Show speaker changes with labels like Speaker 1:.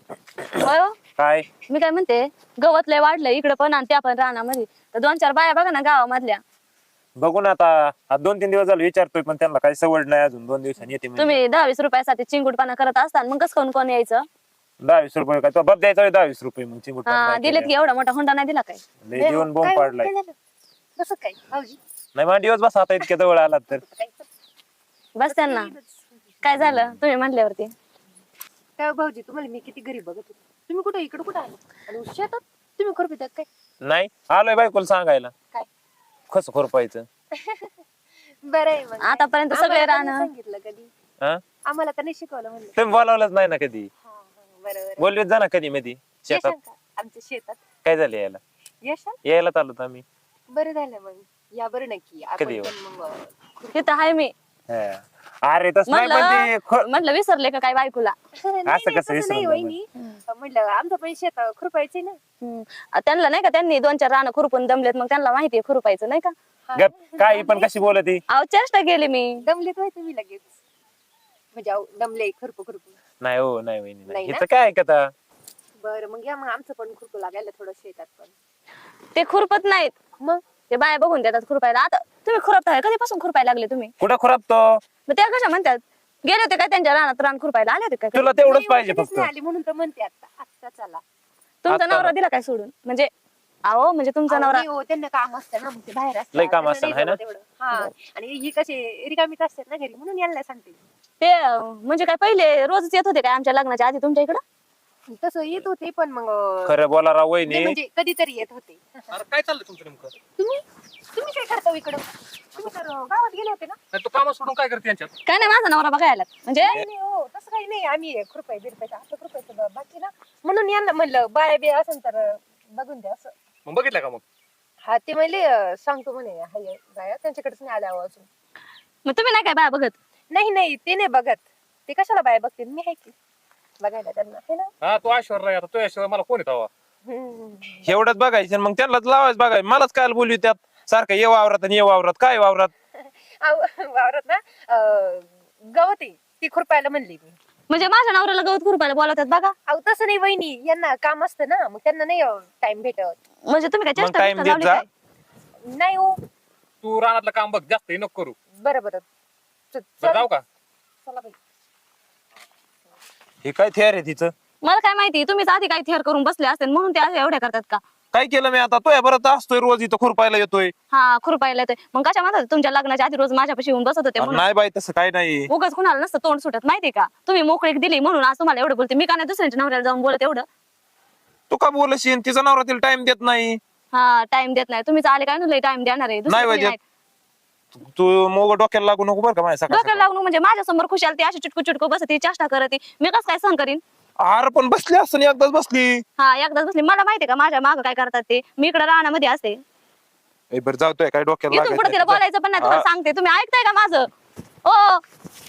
Speaker 1: होय हो.
Speaker 2: काय
Speaker 1: मी काय म्हणते, गवत लय वाढलंय इकडे पण आणि त्या पण रानामध्ये. तर 2-4 बाया बघा ना गावामधल्या.
Speaker 2: बघू ना आता 2-3 दिवस झाले विचारतोय पण त्यांना काही सवड नाही अजून 2 दिवसांनी येते म्हणजे.
Speaker 1: तुम्ही 10-20 रुपयासाठी चिंगुटपणा करत असता मग कसं कोण यायचं?
Speaker 2: 10-20 रुपये काय तो बब द्यायचा 10-20 रुपये मग चिंगूट पण
Speaker 1: हा
Speaker 2: नाही
Speaker 1: दिलेत की, एवढा मोठा हुंडा नाही दिला काय?
Speaker 2: लय जीवन बोंब पाडलाय.
Speaker 3: कसं काय भाऊजी?
Speaker 2: नाही मला दिवस बस आता इतक्या जवळ आलात तर.
Speaker 1: बस त्यांना काय झालं तुम्ही म्हटल्यावरती?
Speaker 3: काय भाऊजी, तुम्हाला मी किती गरीब बघत होते. तुम्ही कुठे इकडे कुठे आले आणि शेतात तुम्ही खुरपितात काय?
Speaker 2: नाही आलोय बायकोला सांगायला
Speaker 3: काय
Speaker 2: कसं खुरपायचं.
Speaker 3: बरं आहे मग.
Speaker 1: आतापर्यंत सगळे
Speaker 3: आम्हाला तर
Speaker 1: रान
Speaker 3: नाही सांगितलं कधी.
Speaker 2: हा
Speaker 3: आम्हाला तर नाही शिकवलं म्हणलं.
Speaker 2: तुम्ही बोलावलंच नाही ना कधी.
Speaker 3: बरोबर.
Speaker 2: बोलवीत जा ना कधी मध्ये शेतात.
Speaker 3: येशाल का आमच्या शेतात?
Speaker 2: काय झालं यायला
Speaker 3: येशाल?
Speaker 2: यायला चाललो आम्ही.
Speaker 3: बरं झालं मग. या बरं नक्की
Speaker 2: कधी
Speaker 3: आपण
Speaker 2: येऊ?
Speaker 3: पण मग
Speaker 1: तिथं आहे मी.
Speaker 2: हा. अरे तसं नाही पण ते
Speaker 1: म्हटलं विसरले का काय बायकोला?
Speaker 3: नाही,
Speaker 2: असं
Speaker 3: नाही,
Speaker 2: कसं
Speaker 3: तसं
Speaker 2: विसरून
Speaker 3: नाही
Speaker 2: जाणार?
Speaker 3: वहिनी. म्हटलं आमचं पण शेत खुरपायचंय ना.
Speaker 1: त्यांना नाही का, त्यांनी 2-4 रानं खुरपून दमलेत, मग त्यांना माहितीये खुरपायचं नाही का?
Speaker 2: गप काय पण कशी बोलत ती.
Speaker 1: अहो चेष्टा गेली मी.
Speaker 3: दमलेत होय तुम्ही लगेच. म्हणजे दमले खुरपू.
Speaker 2: नाही हो नाही वहिनी
Speaker 3: नाही
Speaker 2: नाही
Speaker 3: ना?
Speaker 2: हिचं काय ऐकता.
Speaker 3: बरं मग या, मग आमचं पण खुरपू लागायला थोडं शेतात पण.
Speaker 1: ते खुरपत नाहीत,
Speaker 3: मग
Speaker 1: ते बाया बघून देतात खुरपायला. आता तुम्ही खुरपताय, कधीपासून खुरपायला लागले तुम्ही?
Speaker 2: कुठं खुरपतो
Speaker 1: मग त्या कशा म्हणतात, गेले होते काय त्यांच्या रानात रान खुरपायला? आले होते काय कधी?
Speaker 2: तुला तेवढंच
Speaker 3: नाही,
Speaker 2: पाहिजे
Speaker 3: कधीच
Speaker 2: फक्त.
Speaker 3: नाही आली म्हणून तर म्हणते आता चला.
Speaker 1: तुमचा
Speaker 2: आता
Speaker 1: नवरा दिला काय सोडून? म्हणजे अहो म्हणजे तुमचा
Speaker 3: अहो,
Speaker 1: नवरा
Speaker 3: नाही हो, त्यांना काम असतं ना, मग ते बाहेर असतात.
Speaker 2: लय काम
Speaker 3: त्यांना
Speaker 2: असतं
Speaker 3: नाही
Speaker 2: हाय ना?
Speaker 3: जमत एवढं. हा, आणि ही कशी रिकामीच असतात ना घरी, म्हणून यांना सांगते.
Speaker 1: ते म्हणजे काय पहिले रोजच येत होते काय आमच्या लग्नाच्या आधी तुमच्या इकडं?
Speaker 3: तसं येत होते पण मग
Speaker 2: खरं बोला राव
Speaker 3: नाही,
Speaker 2: वहिनी.
Speaker 3: म्हणजे कधीतरी येत होते.
Speaker 4: अरे काय चाललं तुमचं नेमकं?
Speaker 3: तुम्ही तुम्ही काय करता इकडं? तुम्ही तर गावात गेले होते ना?
Speaker 4: नाही तू काम सोडून काय करते यांच्यात?
Speaker 1: काय नाही, माझा नवरा बघायला म्हणजे
Speaker 3: नाही नाही, हो तसं काही नाही. आम्ही कृपया बिरपायचं असं कृपयाचं बाकी ना, म्हणून यांना म्हणलं बाया बी असेल तर बघून द्या असं.
Speaker 4: मग बघितलं का मग?
Speaker 3: हा, ते म्हणले सांगतो म्हणे हाय बाया, त्यांच्याकडेच नाही आल्या अजून.
Speaker 1: मग तुम्ही नाही काय बाया बघत?
Speaker 3: नाही नाही, ते नाही बघत. ते कशाला बाया बघतील, मी आहे की बघायला त्यांना, है ना.
Speaker 4: हा तू ऐश्वर्या आता तू ऐश्वर्या मला कोण येतो?
Speaker 3: हम्म.
Speaker 2: एवढंच बघायचं आणि मग त्यांनाच लावायचं बघायचं. मलाच काय बोलू त्यात सारखं ये वावरात आणि ये वावरात काय वावरात.
Speaker 3: वावरात ना गवत आहे, ती खुरपायला म्हणली मी.
Speaker 1: म्हणजे माझ्या नवऱ्याला गवत खुरपायला बोलवतात बघा.
Speaker 3: अहो तसं नाही वहिनी, यांना काम असतं ना, मग त्यांना नाही टाइम भेटत.
Speaker 1: म्हणजे तुम्ही काय
Speaker 2: मग
Speaker 1: चेष्टा
Speaker 2: time
Speaker 1: बिष्टा
Speaker 2: देत
Speaker 1: लावली
Speaker 2: जा.
Speaker 1: काय?
Speaker 3: नाही हो.
Speaker 4: तू रानातलं काम बघ, जास्त हे नको करू.
Speaker 3: बरं बरं.
Speaker 4: बरं, जाऊ का?
Speaker 3: चला बाई.
Speaker 2: हे काय थेअर आहे तिचं.
Speaker 1: मला काय माहिती, तुम्हीच आधी काय थेअर करून बसले असते म्हणून ते असे एवढ्या करतात का?
Speaker 2: काय केलं मी आता तो या बरं असतोय रोज इथं खुरपायला येतोय.
Speaker 1: हा खुरपायला येतोय. मग कशा म्हणतात तुमच्या लग्नाच्या आधी रोज माझ्यापाशी येऊन बसत होते म्हणून?
Speaker 2: नाही बाई तसं काय नाही.
Speaker 1: उगाच कुणाला नसतं तोंड सुटत माहितीये का? तुम्ही मोकळीक दिली म्हणून आज तुम्हाला एवढं बोलते. मी का नाही दुसऱ्यांच्या नवऱ्याला जाऊन बोलत एवढं?
Speaker 2: तू का बोलशील तिचा नवरा तिला टाइम देत नाही.
Speaker 1: हा टाइम देत नाही. तुम्हीच आले काय लय टाइम देणार आहे? दुसरं
Speaker 2: नाही
Speaker 1: कोणी
Speaker 2: बाई
Speaker 1: नाही.
Speaker 2: तू मोग डोक्याला लागू नको बरं का माझ्या
Speaker 1: डोक्याला
Speaker 2: सकाळ
Speaker 1: लागून म्हणजे माझ्या समोर खुशाल ती अशी चुटकू चुटकू बसती, चेष्टा करते. मी कसं काय सहन करीन?
Speaker 2: अरे पण बसली असं एकदाच बसली.
Speaker 1: हा एकदाच बसली. मला माहितीये का माझ्या मागं काय करतात ते? मी इकडे रानामध्ये असते.
Speaker 2: बरं जाऊतोय काय डोक्याला
Speaker 1: इथून पुढे तिला
Speaker 2: लागायचं.
Speaker 1: बोलायचं पण नाही. तुम्हाला सांगते, तुम्ही ऐकताय का माझं? ओ